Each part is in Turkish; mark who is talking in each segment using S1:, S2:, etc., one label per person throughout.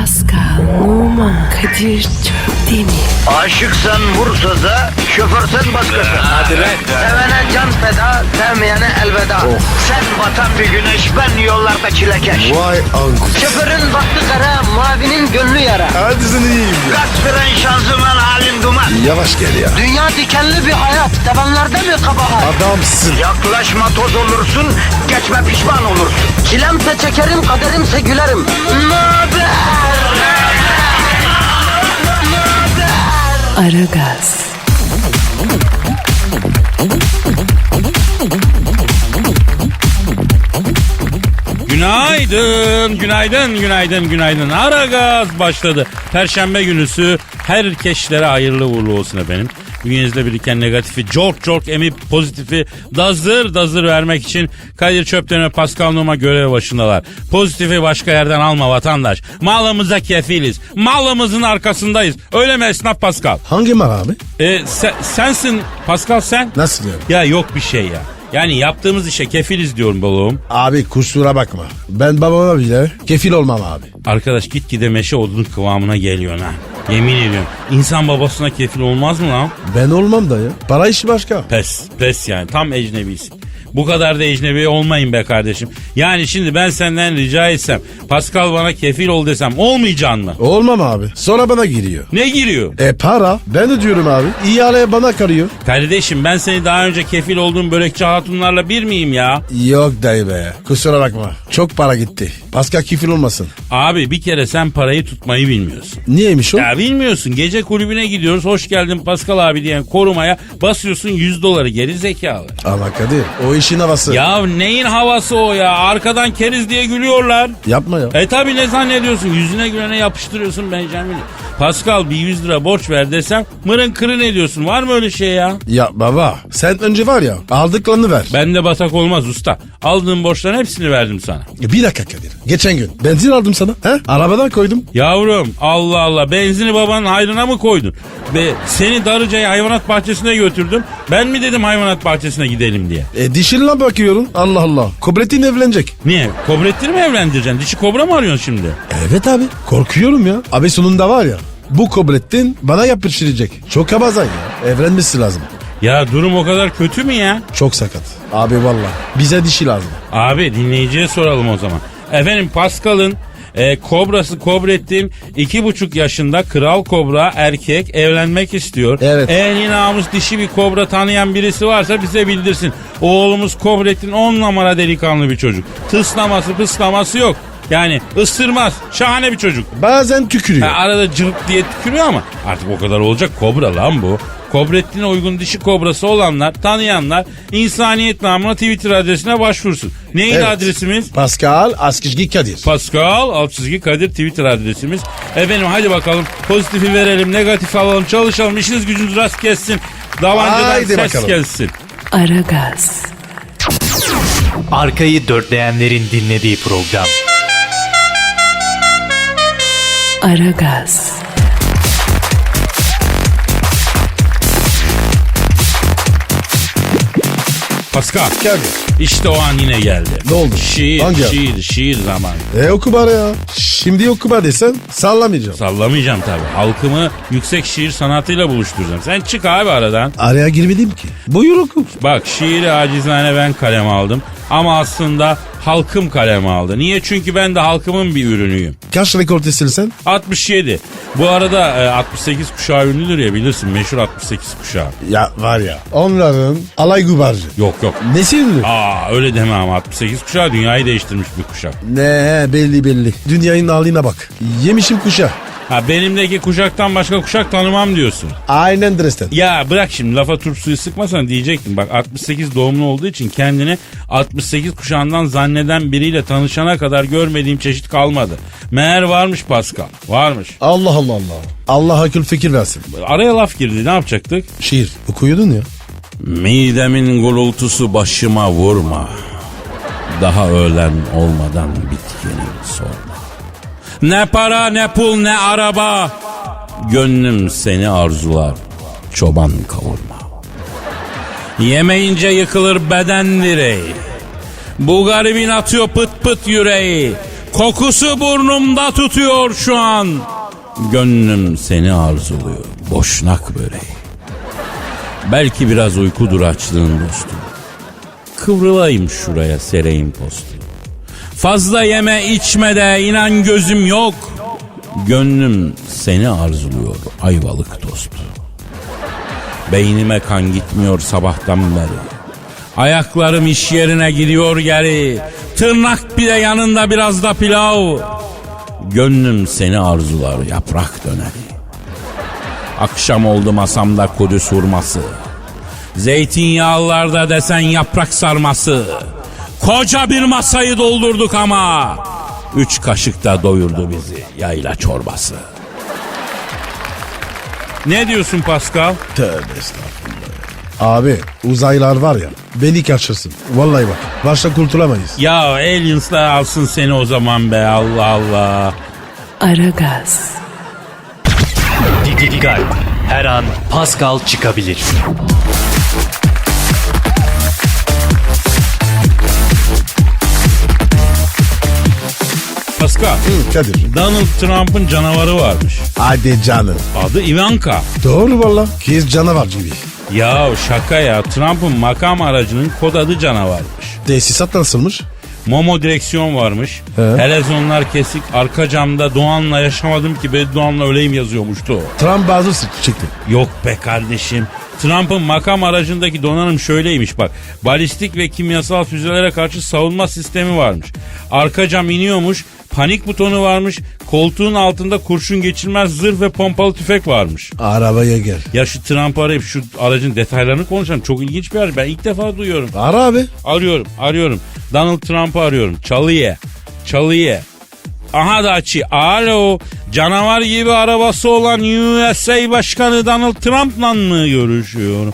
S1: Pascal, Oman, Kadir çok değil mi?
S2: Aşıksan vursa da, şoförsen başkasın.
S3: Hadi lan.
S2: Sevene can feda, sevmeyene elveda. Sen batan bir güneş, ben yollarda çilekeş.
S3: Vay anku.
S2: Şoförün baktı kara, mavinin gönlü yara.
S3: Hadi sen iyiyim ya.
S2: Kasperen şanzıman halin duman.
S3: Yavaş gel ya.
S2: Dünya dikenli bir hayat, sevenlerde mi kabahar?
S3: Adamsın.
S2: Yaklaşma toz olursun, geçme pişman olursun. Çilemse çekerim, kaderimse gülerim. Möber!
S1: Aragaz,
S4: Günaydın, günaydın, günaydın, günaydın. Aragaz başladı. Perşembe günüsü herkeslere hayırlı uğurlu olsun efendim. Bünyenizde biriken negatifi cork emip pozitifi dazır vermek için Kadir Çöpten ve Pascal Numa görev başındalar. Pozitifi başka yerden alma vatandaş. Malımıza kefiliz. Malımızın arkasındayız. Öyle mi esnaf Pascal?
S3: Hangi mal abi?
S4: Sensin Pascal sen.
S3: Nasıl yani?
S4: Ya yok bir şey ya. Yani yaptığımız işe kefiliz diyorum balığım.
S3: Abi kusura bakma. Ben babama bile kefil olmam abi.
S4: Arkadaş gitgide meşe odunun kıvamına geliyor ha. Yemin ediyorum. İnsan babasına kefil olmaz mı lan?
S3: Ben olmam da ya. Para işi başka.
S4: Pes yani tam ecnebisin. Bu kadar da ecnebi olmayın be kardeşim. Yani şimdi ben senden rica etsem Pascal bana kefil ol desem olmayacaksın mı?
S3: Olmam abi. Sonra bana giriyor.
S4: Ne giriyor?
S3: Para. Ben de diyorum abi. İhale bana karıyor.
S4: Kardeşim ben seni daha önce kefil olduğum börekçi hatunlarla bir miyim ya?
S3: Yok dayı be. Kusura bakma. Çok para gitti. Pascal kefil olmasın.
S4: Abi bir kere sen parayı tutmayı bilmiyorsun.
S3: Niyeymiş o?
S4: Ya bilmiyorsun, gece kulübüne gidiyoruz, hoş geldin Pascal abi diyen korumaya basıyorsun $100 geri zekalı.
S3: Ama Kadir o işin havası.
S4: Ya neyin havası o ya? Arkadan keriz diye gülüyorlar.
S3: Yapma ya.
S4: Tabi ne zannediyorsun? Yüzüne gülene yapıştırıyorsun Benjamin'i. Pascal bir 100 lira borç ver desem mırın kırın ediyorsun. Var mı öyle şey ya?
S3: Ya baba sen önce var ya aldıklarını ver.
S4: Bende batak olmaz usta. Aldığım borçların hepsini verdim sana.
S3: Bir dakika Kadir. Geçen gün benzin aldım sana. He? Arabadan koydum.
S4: Yavrum Allah Allah, benzini babanın hayrına mı koydun? Seni Darıca'ya hayvanat bahçesine götürdüm. Ben mi dedim hayvanat bahçesine gidelim diye?
S3: Dişinle bakıyorum. Allah Allah. Kobretin evlenecek.
S4: Niye? Kobretleri mi evlendireceksin? Dişi kobra mı arıyorsun şimdi?
S3: Evet abi. Korkuyorum ya. Abi sonunda var ya. Bu Kobrettin bana yapıştıracak. Çok kabazan ya. Evlenmesi lazım.
S4: Ya durum o kadar kötü mü ya?
S3: Çok sakat. Abi valla. Bize dişi lazım.
S4: Abi dinleyiciye soralım o zaman. Efendim Pascal'ın kobrası Kobrettin 2,5 yaşında kral kobra erkek evlenmek istiyor.
S3: Evet.
S4: Eğer namus dişi bir kobra tanıyan birisi varsa bize bildirsin. Oğlumuz Kobrettin 10 numara delikanlı bir çocuk. Tıslaması pıslaması yok. Yani ısırmaz. Şahane bir çocuk.
S3: Bazen tükürüyor.
S4: Arada cırt diye tükürüyor ama artık o kadar olacak, kobra lan bu. Kobrettin'e uygun dişi kobrası olanlar, tanıyanlar insaniyet namına Twitter adresine başvursun. Neydi
S3: Evet.
S4: adresimiz?
S3: Pascal Askizgi Kadir.
S4: Pascal _ Kadir Twitter adresimiz. Efendim hadi bakalım pozitifi verelim, negatifi alalım, çalışalım, işiniz gücünüz rast gelsin. Davancadan
S3: Haydi
S4: ses
S3: bakalım.
S4: gelsin.
S1: Aragaz,
S5: Arkayı dörtleyenlerin dinlediği program.
S1: Aragaz,
S4: Pascal,
S3: Kadir.
S4: işte o an yine geldi.
S3: Ne oldu? Hangi an?
S4: Şiir zamanı.
S3: Oku bari ya. Şimdi oku bari desen sallamayacağım.
S4: Sallamayacağım tabii. Halkımı yüksek şiir sanatıyla buluşturacağım. Sen çık abi aradan.
S3: Araya girmedim ki. Buyur oku.
S4: Bak şiiri acizane ben kaleme aldım. Ama aslında halkım kaleme aldı. Niye? Çünkü ben de halkımın bir ürünüyüm.
S3: Kaç rekor sen?
S4: 67. Bu arada 68 kuşağı ünlüdür ya, bilirsin, meşhur 68 kuşağı.
S3: Ya var ya. Onların alay gubarcı.
S4: Yok.
S3: Nesi ünlü?
S4: Öyle deme ama 68 kuşağı dünyayı değiştirmiş bir kuşak.
S3: Ne belli. Dünyanın haline bak. Yemişim kuşa.
S4: Benimdeki kuşaktan başka kuşak tanımam diyorsun.
S3: Aynen dresten.
S4: Ya bırak şimdi, lafa turp suyu sıkmasan diyecektim. Bak 68 doğumlu olduğu için kendini 68 kuşağından zanneden biriyle tanışana kadar görmediğim çeşit kalmadı. Meğer varmış Pascal. Varmış.
S3: Allah. Allah akıl fikir versin.
S4: Araya laf girdi, ne yapacaktık?
S3: Şiir okuyordun ya.
S4: Midemin gurultusu başıma vurma. Daha öğlen olmadan bitkinim sorma. Ne para ne pul ne araba, gönlüm seni arzular, çoban kavurma. Yemeyince yıkılır beden direği, bu garibin atıyor pıt pıt yüreği. Kokusu burnumda tutuyor şu an. Gönlüm seni arzuluyor. Boşnak böreği. Belki biraz uykudur açlığın dostum. Kıvrılayım şuraya sereyim postu. Fazla yeme içme de inan gözüm yok. Gönlüm seni arzuluyor ayvalık tostu. Beynime kan gitmiyor sabahtan beri. Ayaklarım iş yerine gidiyor geri. Tırnak bile yanında biraz da pilav. Gönlüm seni arzular yaprak döneri. Akşam oldu masamda Kudüs hurması. Zeytinyağlılarda desen yaprak sarması. Koca bir masayı doldurduk ama 3 kaşık da doyurdu bizi yayla çorbası. Ne diyorsun Pascal?
S3: Tövbe estağfurullah. Abi uzaylılar var ya beni kaçırsın. Vallahi bak başta kurtulamayız.
S4: Ya aliens'lar alsın seni o zaman be, Allah Allah.
S1: Aragaz,
S5: Dikkat. Her an Pascal çıkabilir.
S4: Pascal,
S3: Kadir.
S4: Donald Trump'ın canavarı varmış.
S3: Hadi canım.
S4: Adı Ivanka.
S3: Doğru valla. Kız canavar gibi.
S4: Ya şaka ya, Trump'ın makam aracının kod adı canavarmış.
S3: Tesisat nasılmış?
S4: Momo direksiyon varmış.
S3: He.
S4: Helezonlar kesik. Arka camda Doğan'la yaşamadım ki Beddoğan'la öleyim yazıyormuştu.
S3: Trump bazı çıktı.
S4: Yok be kardeşim. Trump'ın makam aracındaki donanım şöyleymiş bak. Balistik ve kimyasal füzelere karşı savunma sistemi varmış. Arka cam iniyormuş. Panik butonu varmış. Koltuğun altında kurşun geçirmez zırh ve pompalı tüfek varmış.
S3: Arabaya gel.
S4: Ya şu Trump'ı arayıp şu aracın detaylarını konuşalım. Çok ilginç bir araç. Ben ilk defa duyuyorum.
S3: Ara abi.
S4: Arıyorum. Donald Trump'ı arıyorum. Çalıye. Aha da açı. Alo. Canavar gibi arabası olan USA Başkanı Donald Trump'la mı görüşüyorum?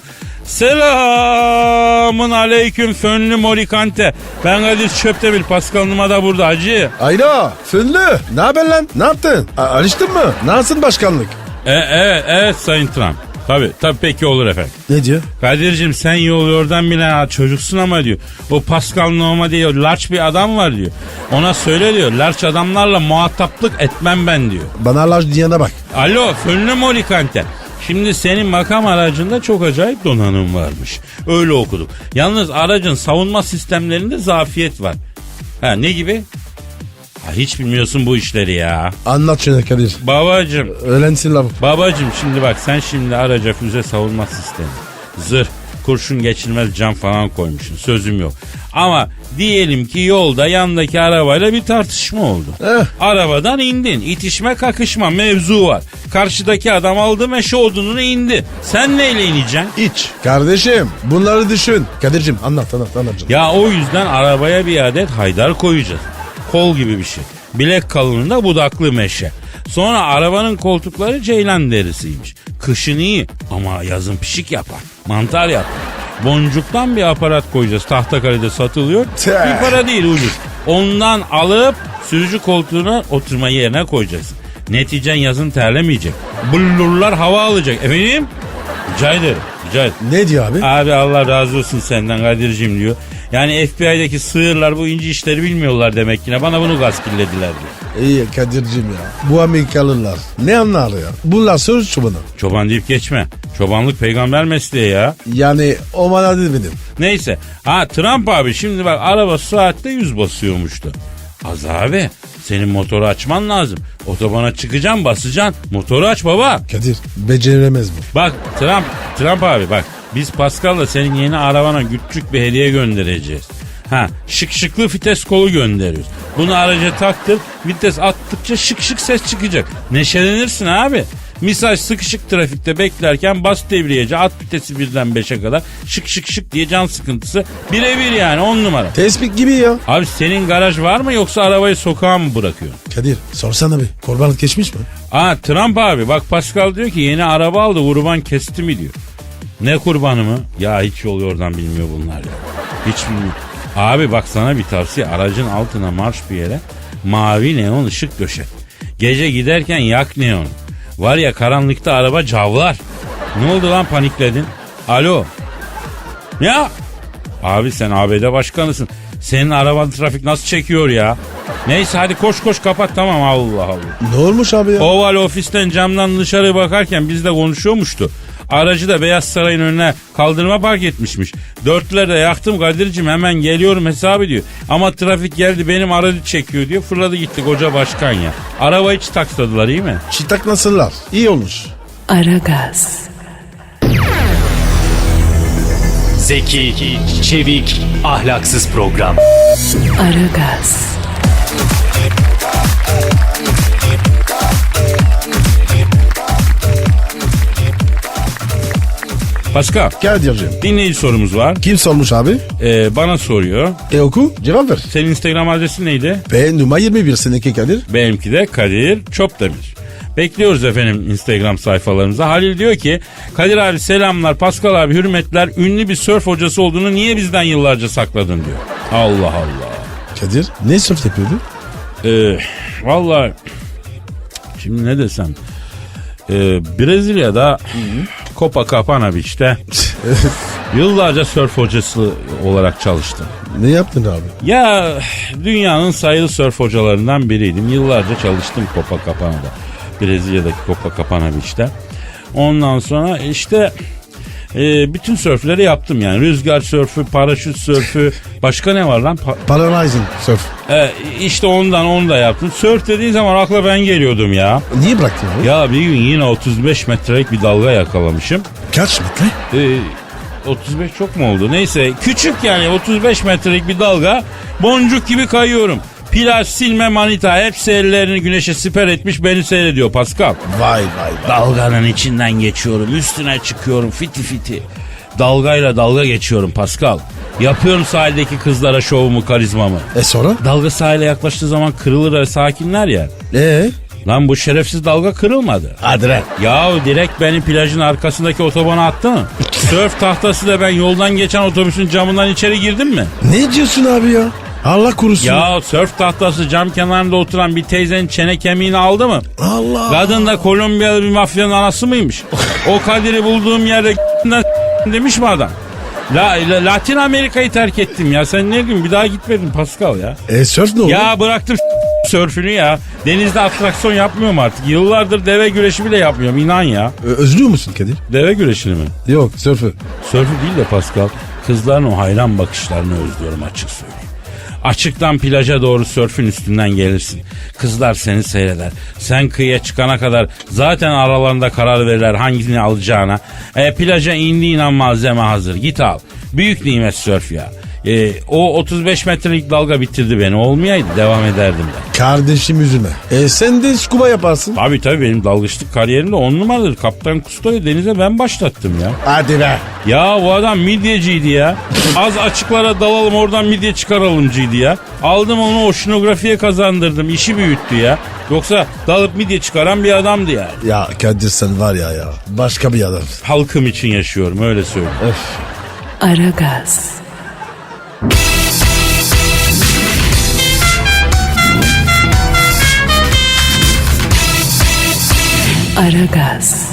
S4: Selamun aleyküm fönlü morikante. Ben Kadir Çöptemir. Pascal Numa da burada hacı.
S3: Ayda. Fınlı. Ne haber lan? Ne yaptın? Alıştın mı? Nasılsın başkanlık?
S4: Evet Sayın Trump. Tabii peki olur efendim.
S3: Ne diyor?
S4: Kadir'cim sen yollardan bile çocuksun ama diyor. O Pascal Numa diyor large bir adam var diyor. Ona söyle diyor large adamlarla muhataplık etmem ben diyor.
S3: Bana laş diyene bak.
S4: Alo fönlü molikante. Şimdi senin makam aracında çok acayip donanım varmış. Öyle okuduk. Yalnız aracın savunma sistemlerinde zafiyet var. Ha ne gibi? Ha, hiç bilmiyorsun bu işleri ya.
S3: Anlat şunu Kadir.
S4: Babacım.
S3: Öğrensin lafı.
S4: Babacım şimdi bak sen şimdi araca füze savunma sistemi. Zırh, kurşun geçirmez cam falan koymuşsun. Sözüm yok. Ama diyelim ki yolda yandaki arabayla bir tartışma oldu. Arabadan indin. İtişme kakışma mevzu var. Karşıdaki adam aldı meşe odununu indi. Sen neyle ineceksin?
S3: İç. Kardeşim bunları düşün. Kadir'cim anlat canım.
S4: Ya o yüzden arabaya bir adet haydar koyacağız. Kol gibi bir şey. Bilek kalınlığında budaklı meşe. Sonra arabanın koltukları ceylan derisiymiş. Kışın iyi ama yazın pişik yapar. Mantar yapar. Boncuktan bir aparat koyacağız. Tahtakale'de satılıyor. Bir para değil ucuz. Ondan alıp sürücü koltuğuna oturma yerine koyacaksın. Neticen yazın terlemeyecek. Bullurlar hava alacak. Efendim? Rica ederim.
S3: Ne diyor abi?
S4: Abi Allah razı olsun senden Kadir'cim diyor. Yani FBI'deki sığırlar bu ince işleri bilmiyorlar demek ki. Bana bunu gaskillediler diyor.
S3: İyi Kadir'cim ya. Bu Amerikalılar ne anlar ya? Bunlar söz çobanı.
S4: Çoban deyip geçme. Çobanlık peygamber mesleği ya.
S3: Yani o bana demedim.
S4: Neyse. Ha Trump abi şimdi bak araba saatte 100 basıyormuştu. Az abi senin motoru açman lazım. Otobana çıkacaksın basacaksın. Motoru aç baba.
S3: Kadir beceremez bu.
S4: Bak Trump abi bak. Biz Pascal'la senin yeni arabana küçük bir hediye göndereceğiz. Şıklı vites kolu gönderiyoruz. Bunu araca taktır, vites attıkça şık ses çıkacak. Neşelenirsin abi. Misal sıkışık trafikte beklerken bas devriyece at vitesi birden 5'e kadar şık diye can sıkıntısı birebir yani 10 numara.
S3: Tespih gibi ya.
S4: Abi senin garaj var mı yoksa arabayı sokağa mı bırakıyorsun?
S3: Kadir sorsana bir kurbanlık geçmiş mi?
S4: Trump abi bak Pascal diyor ki yeni araba aldı kurban kesti mi diyor. Ne kurbanı mı? Ya hiç yol yordan bilmiyor bunlar ya. Hiç bilmiyor. Abi bak sana bir tavsiye. Aracın altına marş bir yere mavi neon ışık döşet. Gece giderken yak neon. Var ya karanlıkta araba cavlar. Ne oldu lan panikledin? Alo. Ya. Abi sen ABD başkanısın. Senin araban trafik nasıl çekiyor ya? Neyse hadi koş kapat tamam Allah Allah.
S3: Ne olmuş abi ya?
S4: Oval ofisten camdan dışarı bakarken bizle konuşuyormuştu. Aracı da Beyaz Saray'ın önüne kaldırıma park etmişmiş. Dörtlüleri de yaktım Kadir'cim hemen geliyorum hesabı diyor. Ama trafik geldi benim aracı çekiyor diyor. Fırladı gitti koca başkan ya. Arabayı hiç taksadılar iyi mi?
S3: Çitak nasıllar? İyi olmuş.
S1: Aragaz,
S5: Zeki, çevik, ahlaksız program.
S1: Aragaz,
S4: Pascal
S3: Gel diyeceğim.
S4: dinleyici sorumuz var.
S3: Kim sormuş abi?
S4: Bana soruyor.
S3: Oku cevap ver.
S4: Senin Instagram adresin neydi?
S3: B numara 21 seninki Kadir.
S4: Benimki de Kadir Çopdemir. Bekliyoruz efendim Instagram sayfalarımıza. Halil diyor ki Kadir abi selamlar, Pascal abi hürmetler, ünlü bir sörf hocası olduğunu niye bizden yıllarca sakladın diyor. Allah Allah.
S3: Kadir ne sörf yapıyordu?
S4: Vallahi şimdi ne desem Brezilya'da Copacabana Beach'te yıllarca sörf hocası olarak çalıştım.
S3: Ne yaptın abi?
S4: Ya dünyanın sayılı sörf hocalarından biriydim. Yıllarca çalıştım Copacabana'da. Brezilya'daki Copacabana Beach'te. Ondan sonra işte bütün sörfleri yaptım yani. Rüzgar sörfü, paraşüt sörfü, başka ne var lan?
S3: Paralyzing sörf.
S4: İşte onu da yaptım. Sörf dediğin zaman akla ben geliyordum ya.
S3: Niye bıraktın abi?
S4: Ya bir gün yine 35 metrelik bir dalga yakalamışım.
S3: Kaç metre?
S4: 35 çok mu oldu? Neyse küçük yani 35 metrelik bir dalga, boncuk gibi kayıyorum. Plaj, silme, manita hepsi ellerini güneşe siper etmiş beni seyrediyor Pascal.
S3: Vay.
S4: Dalganın içinden geçiyorum, üstüne çıkıyorum fiti fiti. Dalgayla dalga geçiyorum Pascal. Yapıyorum sahildeki kızlara şovumu, karizmamı.
S3: Sonra?
S4: Dalga sahile yaklaştığı zaman kırılır ve sakinler ya. Lan bu şerefsiz dalga kırılmadı.
S3: Hadi lan.
S4: Ya direkt beni plajın arkasındaki otobana attı mı? Sörf tahtası da ben yoldan geçen otobüsün camından içeri girdim mi?
S3: Ne diyorsun abi ya? Allah korusun.
S4: Ya sörf tahtası cam kenarında oturan bir teyzenin çene kemiğini aldı mı?
S3: Allah.
S4: Kadın da Kolombiyalı bir mafyanın anası mıymış? O Kadir'i bulduğum yerde demiş mi adam? Latin Amerika'yı terk ettim ya. Sen ne diyorsun? Bir daha gitmedim Pascal ya.
S3: Sörf ne oldu?
S4: Ya bıraktım sörfünü ya. Denizde atraksiyon yapmıyorum artık. Yıllardır deve güreşi bile yapmıyorum inan ya.
S3: Özlüyor musun Kadir?
S4: Deve güreşini mi?
S3: Yok sörfü.
S4: Sörfü değil de Pascal. Kızların o hayran bakışlarını özlüyorum açık söyleyeyim. Açıktan plaja doğru sörfün üstünden gelirsin. Kızlar seni seyreder. Sen kıyıya çıkana kadar zaten aralarında karar verirler hangisini alacağına. Plaja indiğin an malzeme hazır. Git al. Büyük nimet sörf ya. O 35 metrelik dalga bitirdi beni. Olmayaydı devam ederdim ben.
S3: Kardeşim üzülme. Sen de scuba yaparsın.
S4: Tabii benim dalgıçlık kariyerimde 10 numaradır. Kaptan Kusto'yu denize ben başlattım ya.
S3: Hadi be.
S4: Ya bu adam midyeciydi ya. Az açıklara dalalım oradan midye çıkaralımcıydı ya. Aldım onu oşinografiye kazandırdım. İşi büyüttü ya. Yoksa dalıp midye çıkaran bir adamdı yani.
S3: Ya Kadir sen var ya. Başka bir adam.
S4: Halkım için yaşıyorum öyle söyleyeyim.
S1: Aragaz, Aragaz,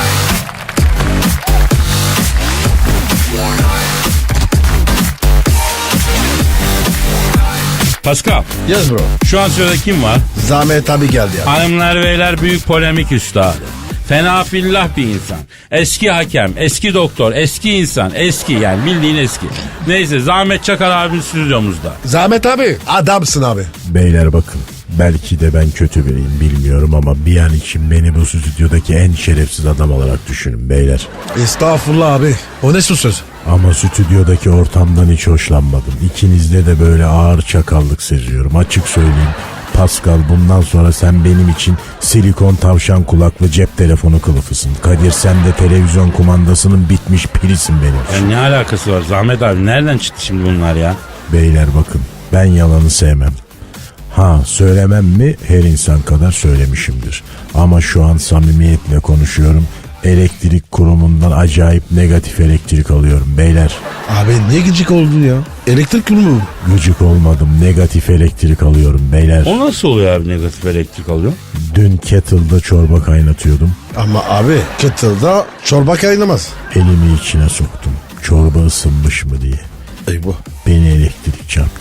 S4: Pascal
S3: Yes bro.
S4: şu an sırada kim var?
S3: Zahmet abi geldi ya.
S4: Hanımlar beyler büyük polemik üstadı. Fena fillah bir insan. Eski hakem, eski doktor, eski insan, eski yani bildiğin eski. Neyse Zahmet Çakar abimiz stüdyomuzda.
S3: Zahmet abi. Adamsın abi.
S6: Beyler bakın, belki de ben kötü biriyim bilmiyorum ama bir an için beni bu stüdyodaki en şerefsiz adam olarak düşünün beyler.
S3: Estağfurullah abi. O ne söz?
S6: Ama stüdyodaki ortamdan hiç hoşlanmadım. İkinizde de böyle ağır çakallık seziyorum. Açık söyleyeyim. Pascal bundan sonra sen benim için silikon tavşan kulaklı cep telefonu kılıfısın. Kadir sen de televizyon kumandasının bitmiş pilisin benim için.
S4: Ya ne alakası var Zahmet abi nereden çıktı şimdi bunlar ya?
S6: Beyler bakın, ben yalanı sevmem. Söylemem mi? Her insan kadar söylemişimdir. Ama şu an samimiyetle konuşuyorum. Elektrik kurumundan acayip negatif elektrik alıyorum beyler.
S3: Abi ne gıcık oldun ya? Elektrik kurumu.
S6: Gıcık olmadım, negatif elektrik alıyorum beyler.
S4: O nasıl oluyor abi negatif elektrik alıyor?
S6: Dün kettle'da çorba kaynatıyordum.
S3: Ama abi kettle'da çorba kaynamaz.
S6: Elimi içine soktum. Çorba ısınmış mı diye.
S3: Eyvah.
S6: Beni elektrik çarptı.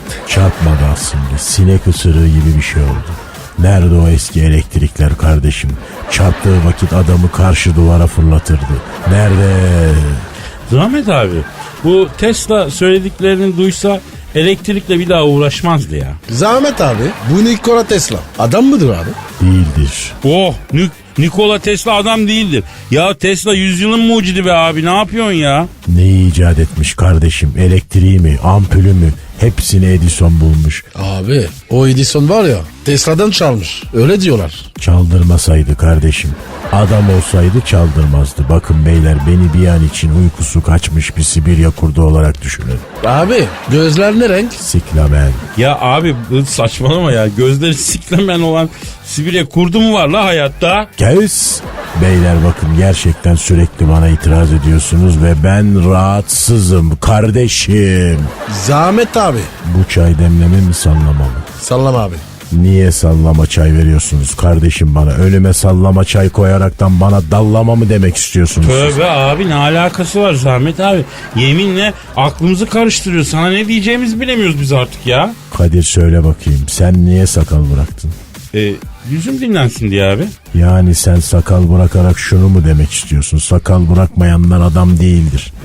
S6: Çarpmadı aslında. Sinek ısırığı gibi bir şey oldu. Nerede o eski elektrikler kardeşim? Çarptığı vakit adamı karşı duvara fırlatırdı. Nerede?
S4: Zahmet abi, bu Tesla söylediklerini duysa elektrikle bir daha uğraşmazdı ya.
S3: Zahmet abi. Bu Nikola Tesla. Adam mıdır abi?
S6: Değildir.
S4: Oh, Nikola Tesla adam değildir. Ya Tesla yüzyılın mucidi be abi, ne yapıyorsun ya?
S6: Neyi icat etmiş kardeşim? Elektriği mi? Ampulü mü? Hepsini Edison bulmuş.
S3: Abi o Edison var ya Tesla'dan çalmış. Öyle diyorlar.
S6: Çaldırmasaydı kardeşim. Adam olsaydı çaldırmazdı. Bakın beyler, beni bir an için uykusu kaçmış bir Sibirya kurdu olarak düşünün.
S3: Abi gözler ne renk?
S6: Siklamen.
S4: Ya abi saçmalama ya, gözleri siklemen olan Sibirya kurdu mu var la hayatta?
S6: Kes. Beyler bakın, gerçekten sürekli bana itiraz ediyorsunuz ve ben rahatsızım kardeşim.
S3: Zahmet abi.
S6: Bu çay demleme mi, sallama mı?
S3: Sallama abi.
S6: Niye sallama çay veriyorsunuz kardeşim bana? Önüme sallama çay koyaraktan bana dallama mı demek istiyorsunuz?
S4: Tövbe abi, ne alakası var Zahmet abi? Yeminle aklımızı karıştırıyor. Sana ne diyeceğimizi bilemiyoruz biz artık ya.
S6: Kadir söyle bakayım, sen niye sakal bıraktın?
S4: Yüzüm dinlensin diye abi.
S6: Yani sen sakal bırakarak şunu mu demek istiyorsun? Sakal bırakmayanlar adam değildir.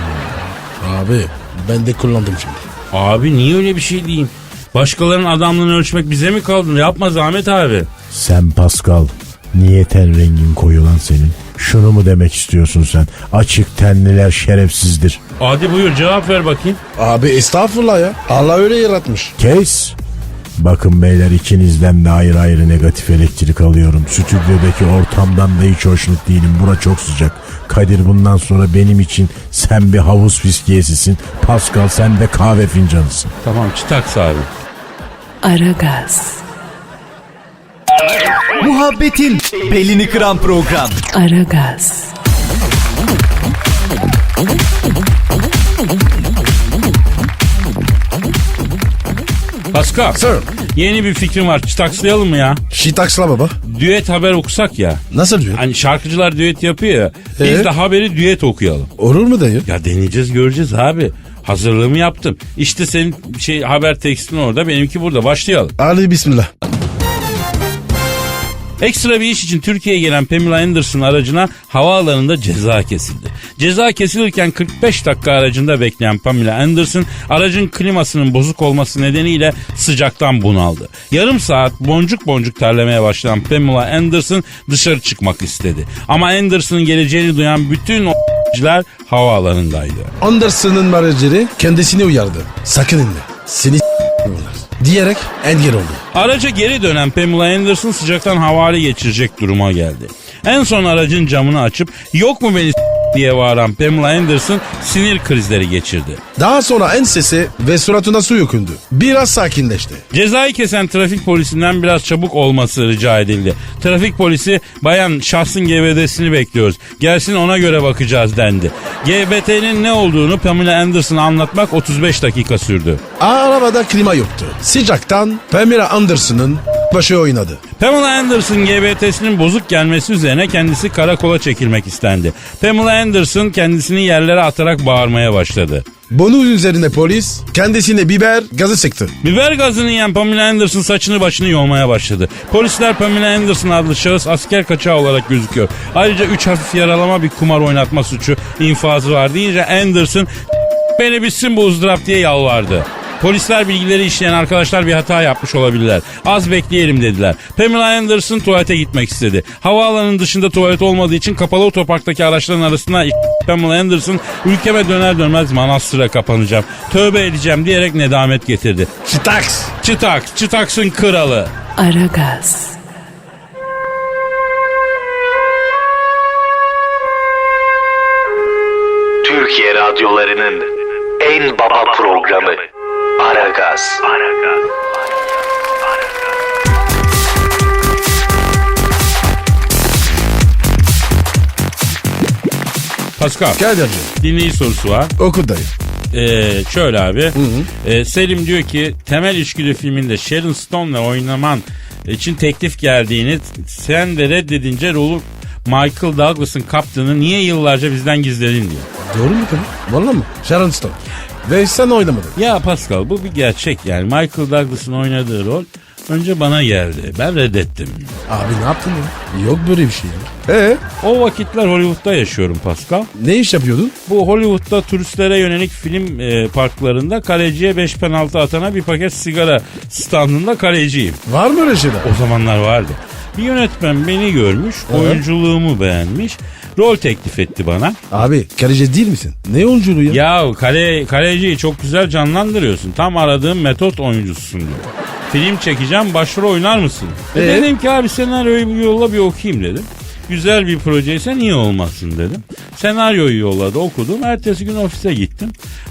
S3: Abi ben de kullandım şimdi.
S4: Abi niye öyle bir şey diyeyim? Başkalarının adamlığını ölçmek bize mi kaldı? Yapma Zahmet abi.
S6: Sen Pascal, niye ten rengin koyu lan senin? Şunu mu demek istiyorsun sen? Açık tenliler şerefsizdir.
S4: Hadi buyur cevap ver bakayım.
S3: Abi estağfurullah ya. Allah öyle yaratmış.
S6: Kes. Bakın beyler, ikinizden de ayrı ayrı negatif elektrik alıyorum. Stüdyodaki ortamdan da hiç hoşnut değilim. Bura çok sıcak. Kadir, bundan sonra benim için sen bir havuz fiskiyesisin. Pascal, sen de kahve fincanısın.
S4: Tamam, çıtaks abi.
S1: Aragaz,
S5: Muhabbetin belini kıran program.
S1: Aragaz,
S4: Pascal,
S3: Sir.
S4: yeni bir fikrim var. Çıtakslayalım mı ya?
S3: Şitaksla baba.
S4: Düet haber okusak ya.
S3: Nasıl diyor?
S4: Hani şarkıcılar düet yapıyor ya. Biz de haberi düet okuyalım.
S3: Olur mu dayı?
S4: Ya deneyeceğiz, göreceğiz abi. Hazırlığımı yaptım. İşte senin haber tekstin orada, benimki burada. Başlayalım.
S3: Hadi bismillah.
S4: Ekstra bir iş için Türkiye'ye gelen Pamela Anderson aracına havaalanında ceza kesildi. Ceza kesilirken 45 dakika aracında bekleyen Pamela Anderson aracın klimasının bozuk olması nedeniyle sıcaktan bunaldı. Yarım saat boncuk boncuk terlemeye başlayan Pamela Anderson dışarı çıkmak istedi. Ama Anderson'ın geleceğini duyan bütün o***ciler havaalanındaydı.
S3: Anderson'ın menajeri kendisini uyardı. Sakın inme. Seni bunlar. Diyerek engel oldu.
S4: Araca geri dönen Pamela Anderson sıcaktan havale geçirecek duruma geldi. En son aracın camını açıp yok mu beni diye bağıran Pamela Anderson sinir krizleri geçirdi.
S3: Daha sonra ensesi ve suratına su yükündü. Biraz sakinleşti.
S4: Cezayı kesen trafik polisinden biraz çabuk olması rica edildi. Trafik polisi bayan şahsın GBT'sini bekliyoruz. Gelsin ona göre bakacağız dendi. GBT'nin ne olduğunu Pamela Anderson'a anlatmak 35 dakika sürdü.
S3: Arabada klima yoktu. Sıcaktan Pamela Anderson'ın başı oynadı.
S4: Pamela Anderson GBT'sinin bozuk gelmesi üzerine kendisi karakola çekilmek istendi. Pamela Anderson kendisini yerlere atarak bağırmaya başladı.
S3: Bunun üzerine polis kendisine biber gazı sıktı.
S4: Biber gazını yiyen Pamela Anderson saçını başını yolmaya başladı. Polisler Pamela Anderson adlı şahıs asker kaçağı olarak gözüküyor. Ayrıca 3 hafif yaralama, bir kumar oynatma suçu infazı var deyince Anderson beni bitsin bu ızdırap diye yalvardı. Polisler bilgileri işleyen arkadaşlar bir hata yapmış olabilirler. Az bekleyelim dediler. Pamela Anderson tuvalete gitmek istedi. Havaalanının dışında tuvalet olmadığı için kapalı otoparktaki araçların arasına Pamela Anderson ülkeme döner dönmez manastıra kapanacağım, tövbe edeceğim diyerek nedamet getirdi.
S3: Şitaks.
S4: Çıtaksın kralı.
S1: Aragaz,
S5: Türkiye radyolarının en baba programı Aragaz.
S4: Pascal,
S3: Kadir'cim
S4: dinleyici sorusu var.
S3: oku dayı.
S4: Şöyle abi. Selim diyor ki Temel İçgüdü filminde Sharon Stone'la oynaman için teklif geldiğini, sen de reddedince rolü Michael Douglas'ın kaptığını niye yıllarca bizden gizledin diyor.
S3: Doğru mu tabii? Valla mı? Sharon Stone. Ve sen oynamadın.
S4: Ya Pascal bu bir gerçek yani. Michael Douglas'ın oynadığı rol önce bana geldi. Ben reddettim.
S3: Abi ne yaptın ya? Yok böyle bir şey ya.
S4: O vakitler Hollywood'da yaşıyorum Pascal.
S3: Ne iş yapıyordun?
S4: Bu Hollywood'da turistlere yönelik film parklarında kaleciye 5 penaltı atana bir paket sigara standında kaleciyim.
S3: Var mı öyle şeyler?
S4: O zamanlar vardı. Bir yönetmen beni görmüş, oyunculuğumu beğenmiş, rol teklif etti bana.
S3: Abi kaleci değil misin? Ne oyunculuğu ya?
S4: Ya kaleciyi çok güzel canlandırıyorsun. Tam aradığım metot oyuncususun diyor. Film çekeceğim, başrol oynar mısın? Dedim ki abi senaryoyu bir yolla bir okuyayım dedim. Güzel bir projeyse niye olmasın dedim. Senaryoyu yolladı, okudum. Ertesi gün ofise gittim.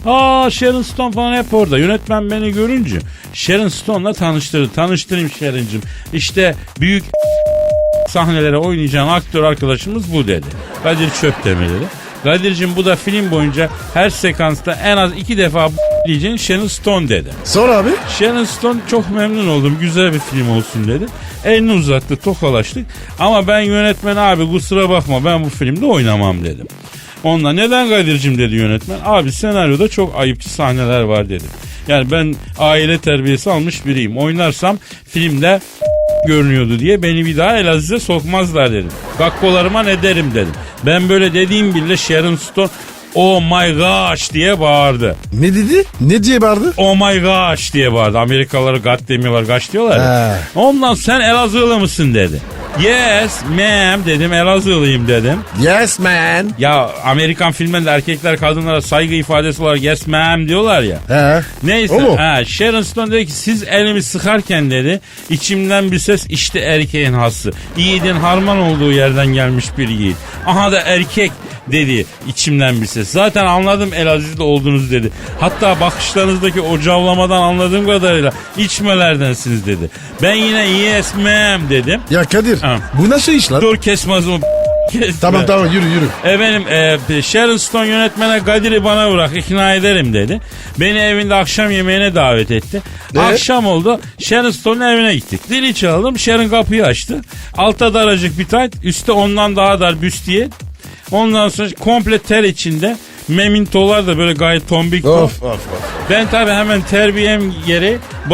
S4: Sharon Stone falan hep orada. Yönetmen beni görünce Sharon Stone'la tanıştırdı. Tanıştırayım Sharon'cığım. İşte büyük sahnelere oynayacağın aktör arkadaşımız bu dedi. Kadir Çöptemir dedi. Kadir'cim bu da film boyunca her sekansta en az 2 defa diyeceğin Sharon Stone dedi.
S3: Sonra abi?
S4: Sharon Stone çok memnun oldum, güzel bir film olsun dedi. Elini uzattı, tokalaştık. Ama ben yönetmen abi kusura bakma ben bu filmde oynamam dedim. Onunla neden Kadir'cim dedi yönetmen. Abi senaryoda çok ayıpçı sahneler var dedi. Yani ben aile terbiyesi almış biriyim. Oynarsam filmde görünüyordu diye beni bir daha Elazığ'a sokmazlar dedim. Gakkolarıma ne derim dedim. Ben böyle dediğim bile Sharon Stone oh my gosh diye bağırdı.
S3: Ne dedi? Ne diye bağırdı?
S4: Oh my gosh diye bağırdı. Amerikalıları God demiyorlar, gosh diyorlar ya. Ondan sen Elazığlı mısın dedi. Yes ma'am dedim, Elazığlıyım dedim.
S3: Yes man.
S4: Ya Amerikan filmlerinde erkekler kadınlara saygı ifadesi olarak yes ma'am diyorlar ya. Neyse. Sharon Stone dedi ki siz elimi sıkarken dedi içimden bir ses işte erkeğin hası. Yiğidin harman olduğu yerden gelmiş bir yiğit. Aha da erkek dedi içimden bir ses. Zaten anladım Elazığ'da olduğunuz dedi. Hatta bakışlarınızdaki o cavlamadan anladığım kadarıyla içmelerdensiniz dedi. Ben yine yes ma'am dedim.
S3: Ya Kadir bu nasıl iş lan?
S4: Dur kesme ağzımı.
S3: Tamam yürü.
S4: Efendim Sharon Stone yönetmene Kadir'i bana bırak ikna ederim dedi. Beni evinde akşam yemeğine davet etti. Akşam oldu Sharon Stone'un evine gittik. Dili çaldım, Sharon kapıyı açtı. Altta daracık bir tayt, üstte ondan daha dar büstiye. Ondan sonra komple ter içinde. Memintolar da böyle gayet tombik.
S3: Of.
S4: Ben tabii hemen terbiyem geri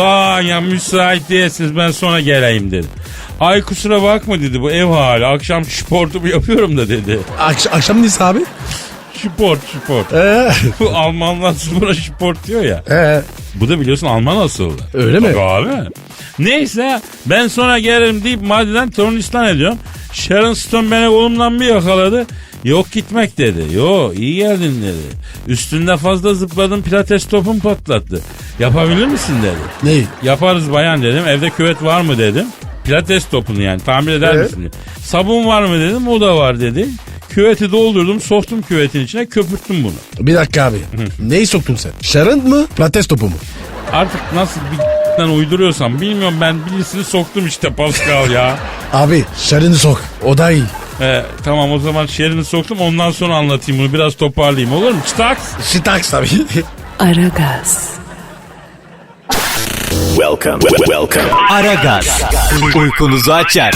S4: ya müsait değilsiniz ben sonra geleyim dedim. Ay kusura bakma dedi bu ev hali. Akşam sportumu yapıyorum da dedi.
S3: Akşam neyse abi?
S4: Sport. Bu Almanlar spora sport diyor ya. Bu da biliyorsun Alman asıllı.
S3: Öyle mi?
S4: Abi. Neyse ben sonra gelirim deyip madiden tornistan ediyorum. Sharon Stone beni kolumdan bir yakaladı. Yok gitmek dedi. Yo iyi geldin dedi. Üstünde fazla zıpladım pilates topum patlattı. Yapabilir misin dedi.
S3: Ne?
S4: Yaparız bayan dedim. Evde küvet var mı dedim. Pilates topunu yani tamir eder misin dedi. Sabun var mı dedim. O da var dedi. Küveti doldurdum soktum küvetin içine köpürttüm bunu.
S3: Bir dakika abi. Neyi soktun sen? Sharon mı? Pilates topu mu?
S4: Artık nasıl bir uyduruyorsam bilmiyorum ben birisini soktum işte Pascal ya.
S3: Abi Sharon'ı sok. O da iyi.
S4: Tamam o zaman Sharon'ı soktum ondan sonra anlatayım bunu biraz toparlayayım olur mu? Çıtaks.
S3: Çıtaks tabii.
S1: Aragaz.
S5: Welcome.
S7: Aragaz. Uykunuzu açar.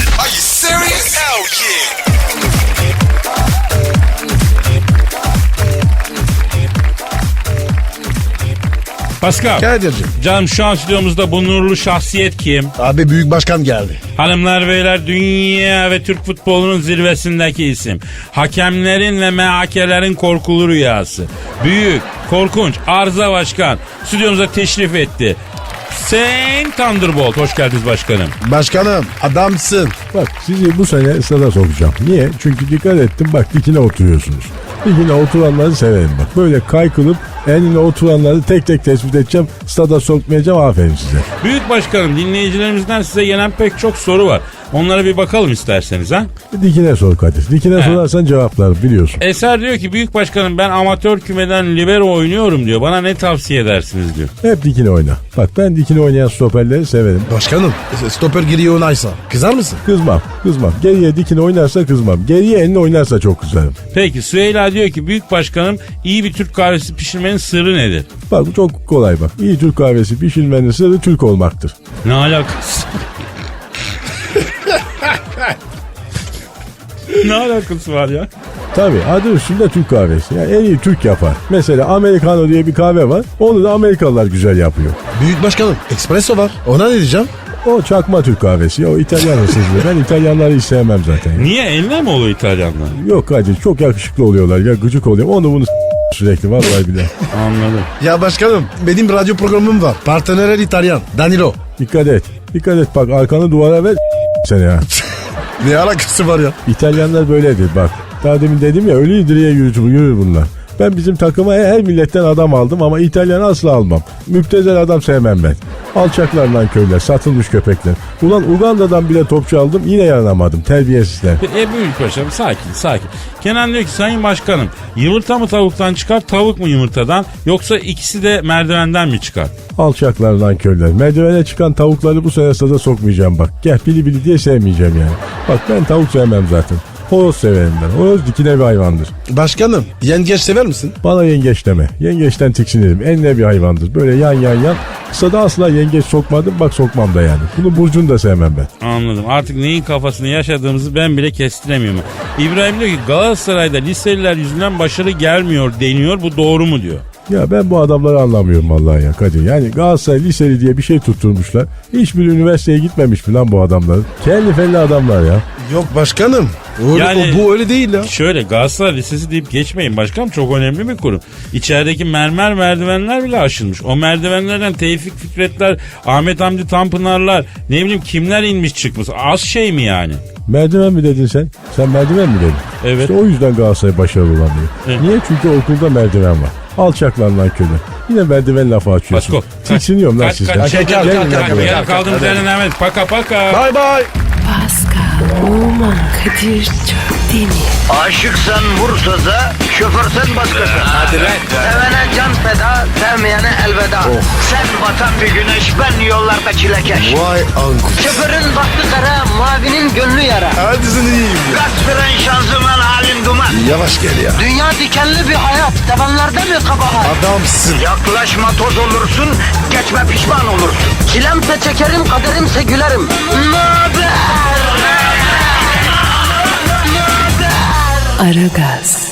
S4: Pascal.
S3: Kadir'cim.
S4: Canım şu an stüdyomuzda bu nurlu şahsiyet kim?
S3: Abi büyük başkan geldi.
S4: Hanımlar beyler dünya ve Türk futbolunun zirvesindeki isim. Hakemlerin ve MHK'lerin korkulu rüyası. Büyük, korkunç, arıza başkan stüdyomuza teşrif etti. Sayın Thunderbolt hoş geldiniz başkanım.
S3: Başkanım adamsın.
S6: Bak sizi bu sene stada sokacağım. Niye? Çünkü dikkat ettim bak dikine oturuyorsunuz. Dikine oturanları severim bak. Böyle kaykılıp enine oturanları tek tek tespit edeceğim. Stada sokmayacağım aferin size.
S4: Büyük başkanım dinleyicilerimizden size gelen pek çok soru var. Onlara bir bakalım isterseniz ha.
S6: Dikine sor Kadir. Dikine sorarsan cevaplar biliyorsun.
S4: Eser diyor ki büyük başkanım ben amatör kümeden libero oynuyorum diyor. Bana ne tavsiye edersiniz diyor.
S6: Hep dikine oyna. Bak ben dikine oynayan stoperleri severim.
S3: Başkanım stoper giriyor oynarsa kızar mısın?
S6: Kızmam. Geriye dikine oynarsa kızmam. Geriye enine oynarsa çok kızarım.
S4: Peki Süheyla diyor ki büyük başkanım iyi bir Türk kahvesi pişirmenin sırrı nedir?
S6: Bak bu çok kolay bak. İyi Türk kahvesi pişirmenin sırrı Türk olmaktır.
S4: Ne alakası? Ne alakası var ya?
S6: Tabii adı üstünde Türk kahvesi. Yani en iyi Türk yapar. Mesela Americano diye bir kahve var. Onu da Amerikalılar güzel yapıyor.
S3: Büyük başkanım espresso var. Ona ne diyeceğim?
S6: O çakma Türk kahvesi. O İtalyan hırsızlığı. Ben İtalyanları hiç sevmem zaten. Ya.
S4: Niye eline mi oluyor İtalyanlar?
S6: Yok hacı çok yakışıklı oluyorlar ya gıcık oluyor. Onu bunu sürekli vallahi bile.
S4: Anladım.
S3: Ya başkanım benim radyo programım var. Partner İtalyan. Danilo.
S6: Dikkat et. Dikkat et bak arkanı duvara ver seni ya.
S3: Ne alakası var ya?
S6: İtalyanlar böyledir bak. Daha demin dedim ya ölü idriye yürür bunlar. Ben bizim takıma her milletten adam aldım ama İtalyan asla almam. Müptezel adam sevmem ben. Alçaklar lan köyler, satılmış köpekler. Ulan Uganda'dan bile topçu aldım yine yaranamadım terbiyesizler.
S4: Büyük paşam sakin. Kenan diyor ki sayın başkanım yumurta mı tavuktan çıkar tavuk mu yumurtadan yoksa ikisi de merdivenden mi çıkar?
S6: Alçaklar lan köyler. Merdivene çıkan tavukları bu sene sada sokmayacağım bak. Gel bili diye sevmeyeceğim yani. Bak ben tavuk sevmem zaten. Horoz severim ben. Horoz dikine bir hayvandır.
S3: Başkanım yengeç sever misin?
S6: Bana yengeç deme. Yengeçten tiksinirim. Enine bir hayvandır. Böyle yan. Kısada asla yengeç sokmadım. Bak sokmam da yani. Bunu burcunu da sevmem ben.
S4: Anladım. Artık neyin kafasını yaşadığımızı ben bile kestiremiyorum. İbrahim diyor ki Galatasaray'da liseliler yüzünden başarı gelmiyor deniyor. Bu doğru mu diyor.
S6: Ya ben bu adamları anlamıyorum vallahi ya Kadir. Yani Galatasaray liseli diye bir şey tutturmuşlar. Hiçbir üniversiteye gitmemiş mi lan bu adamlar? Kelli felli adamlar ya.
S3: Yok başkanım. Öyle,
S4: Yani-
S3: bu öyle değil ya.
S4: Şöyle Galatasaray Lisesi deyip geçmeyin başkanım çok önemli bir kurum. İçerideki mermer merdivenler bile aşılmış. O merdivenlerden Tevfik Fikretler, Ahmet Hamdi Tanpınarlar ne bileyim kimler inmiş çıkmış. Az şey mi yani?
S6: Merdiven mi dedin sen? Sen merdiven mi dedin?
S4: Evet.
S6: İşte o yüzden Galatasaray başarılı olamıyor.
S4: Evet.
S6: Niye? Çünkü okulda merdiven var. Alçaklar lan köyler. Yine merdiven lafı açıyorsun.
S4: Pasko.
S6: Tiksiniyorum lan sizden.
S4: Gel kaldığımız yerden Ahmet. Paka.
S3: Bye bye.
S1: Pascal, Oman, Kadir çok değil mi?
S2: Aşıksan vursa da şoförsen başkasın. Hadi sevene can feda, sevmeyene elveda. Sen batan bir güneş, ben yollarda çilekeş.
S3: Vay anku.
S2: Şoförün baktı kara, mavinin gönlü yara.
S3: Hadi sen iyiyim ya.
S2: Kasperen şanzıman halin duman.
S3: Yavaş gel ya.
S2: Dünya dikenli bir hayat, sevenlerde mi kabahar?
S3: Adamsın.
S2: Yaklaşma toz olursun, geçme pişman olursun. Çilemse çekerim, kaderimse gülerim. Möber!
S1: Aragaz.